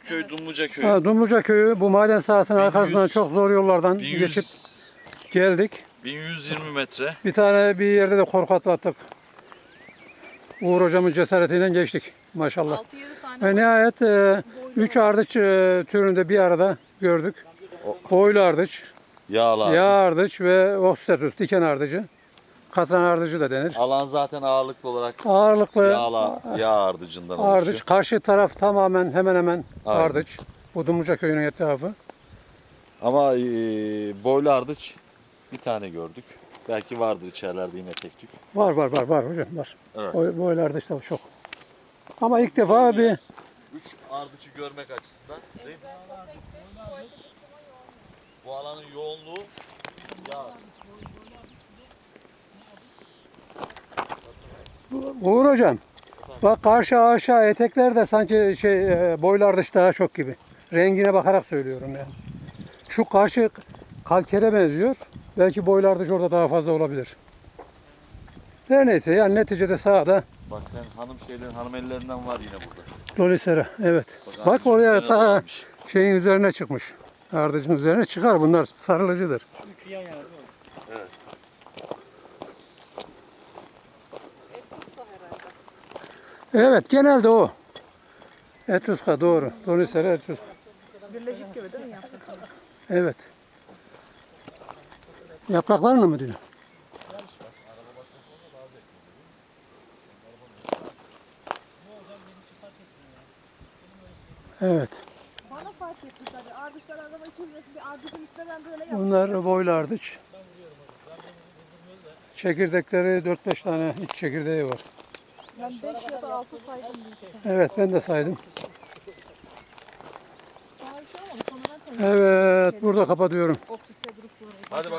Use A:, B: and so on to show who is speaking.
A: köy Dumluca köyü.
B: Ha, Dumluca köyü bu maden sahasının
A: 1100,
B: arkasından çok zor yollardan
A: 1100,
B: geçip geldik.
A: 1120 metre.
B: Bir tane bir yerde de korku atlattık. Uğur hocamın cesaretiyle geçtik maşallah.
C: 6-7 tane
B: Ve nihayet 3 ardıç türünde bir arada gördük. Boylu ardıç,
A: Yağlar.
B: yağ ardıç ve oxystatus, diken ardıcı. Katran ardıcı da denir.
A: Alan zaten ağırlıklı olarak
B: Ağırlıklı
A: yağ ardıcından
B: ardıç.
A: oluşuyor.
B: Karşı taraf tamamen hemen hemen
A: Aynen.
B: ardıç. Bu Dumluca köyünün etrafı.
A: Ama boylu ardıç bir tane gördük. Belki vardır içerilerde yine tek tük.
B: Var hocam var.
A: Evet.
B: Boylu ardıç da çok. Ama ilk defa bir
A: 3 ardıcı görmek açısından değil mi? Bu alanın yoğunluğu yağ.
B: Uğur hocam. Bak karşı aşağı eteklerde sanki boylu ardıç daha çok gibi. Rengine bakarak söylüyorum yani. Şu karşı kalkere benziyor. Belki boylu ardıç orada daha fazla olabilir. Her neyse yani neticede sağda
A: Bak sen hanım ellerinden var yine burada.
B: Lolisera. Evet. Bak
A: ardıç
B: oraya
A: üzerine
B: ta
A: dolanmış.
B: şeyin üzerine çıkmış. Ardıcın üzerine çıkar. Bunlar sarılıcıdır.
A: Evet.
B: Evet genelde o. Etruska doğru. Lolisera etruska.
C: birleşik gibi değil mi yaptık?
B: Evet. Yapraklarını mı diyor? Evet.
C: Bana fark etti tabii. Ardıçlar araba içilmesi bir ardıcın üstüne ben böyle yaptım.
B: Bunlar boylu ardıç. Çekirdekleri 4-5 tane iç çekirdeği var.
C: Ben 5 ya da 6 saydım.
B: Evet ben de saydım.
C: Sonra bir şey olmadı. Sonradan tanıdım.
B: Evet burada kapatıyorum.
C: Oksiste durup sonra.
A: Hadi bak.